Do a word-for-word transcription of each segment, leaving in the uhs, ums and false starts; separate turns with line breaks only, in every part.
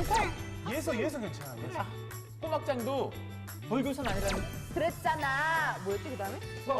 예서.
예서 예서 괜찮아. 예서.
꼬막장도 벌교선 아니라는.
그랬잖아. 뭐였지 그다음에?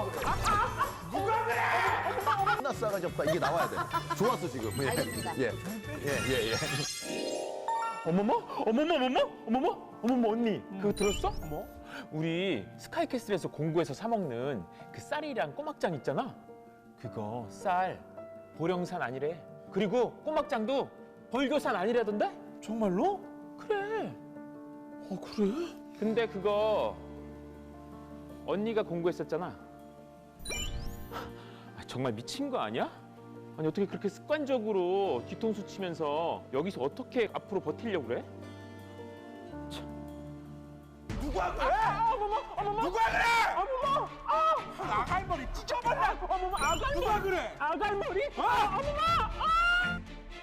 하나 싸가지 없다. 이게 나와야 돼. 좋았어, 지금. 예.
알겠습니다.
예. 예, 예, 예.
어머머? 어머머, 어머머? 어머머? 어머머, 언니. 그거 들었어? 뭐? 우리 스카이캐슬에서 공구해서 사먹는 그 쌀이랑 꼬막장 있잖아? 그거 쌀 보령산 아니래. 그리고 꼬막장도 벌교산 아니라던데?
정말로?
그래.
어 그래?
근데 그거 언니가 공구했었잖아. 아, 정말 미친 거 아니야? 아니 어떻게 그렇게 습관적으로 뒤통수 치면서 여기서 어떻게 앞으로 버티려고 그래?
누가 그래?
아, 어머머, 어머머,
누가 그래?
어머머, 아,
아갈머리 찢어버려.
어머머, 아갈머리.
누가 그래?
아갈머리? 아, 어머머, 아!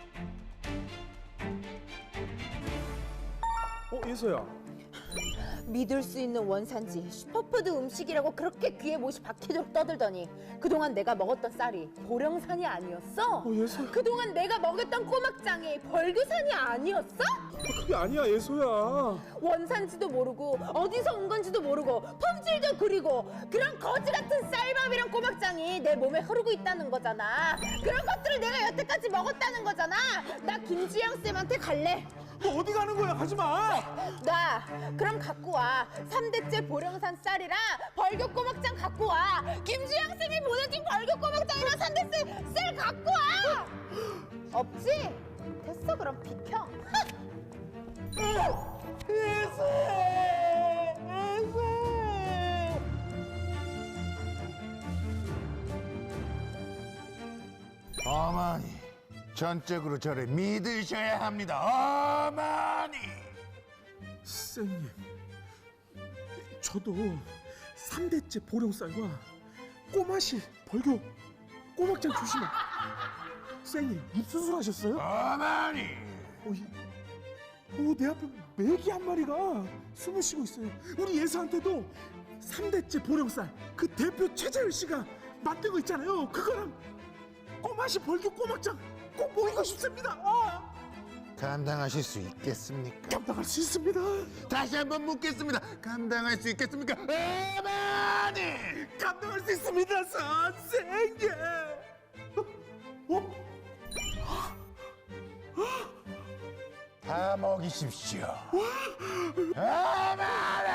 어 예서야.
믿을 수 있는 원산지 슈퍼푸드 음식이라고 그렇게 귀에 못이 박히도록 떠들더니 그동안 내가 먹었던 쌀이 보령산이 아니었어?
어 예서.
그동안 내가 먹였던 꼬막장이 벌교산이 아니었어?
그게 아니야 예서야.
원산지도 모르고 어디서 온 건지도 모르고 품질도 그리고 그런 거지 같은 쌀밥이랑 꼬막장이 내 몸에 흐르고 있다는 거잖아. 그런 것들을 내가 여태까지 먹었다는 거잖아. 나 김지영 쌤한테 갈래.
너 어디 가는 거야? 가지 마.
나 그럼 갖고 와. 삼 대째 보령산 쌀이랑 벌교 꼬막장 갖고 와. 김주영 쌤이 보내준 벌교 꼬막장이랑 삼 대째 쌀 갖고 와. 없지? 됐어 그럼 비켜.
예서. 예서.
어머니, 전적으로 저를 믿으셔야 합니다. 어머니!
쌤님, 저도 삼 대째 보령쌀과 꼬마실 벌교 꼬막장 주시면. 쌤님 입수술 하셨어요?
어머니!
어, 이- 어, 내 앞에 메기 한 마리가 숨을 쉬고 있어요. 우리 예서한테도 삼 대째 보령쌀 그 대표 최재열 씨가 만든 거 있잖아요. 그거랑 꼬마실 벌교 꼬막장 꼭 먹이고 싶습니다. 아,
감당하실 수 있겠습니까?
감당할 수 있습니다.
다시 한번 묻겠습니다. 감당할 수 있겠습니까? 어머니!
감당할 수 있습니다, 선생님. 어?
다 먹이십시오. 어머니!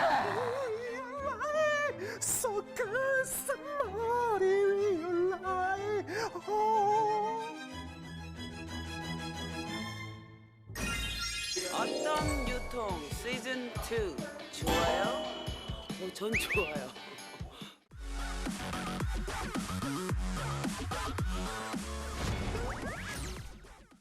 So good, somebody will lie. Oh.
어떤 유통 시즌 투 좋아요? 어, 전 좋아요.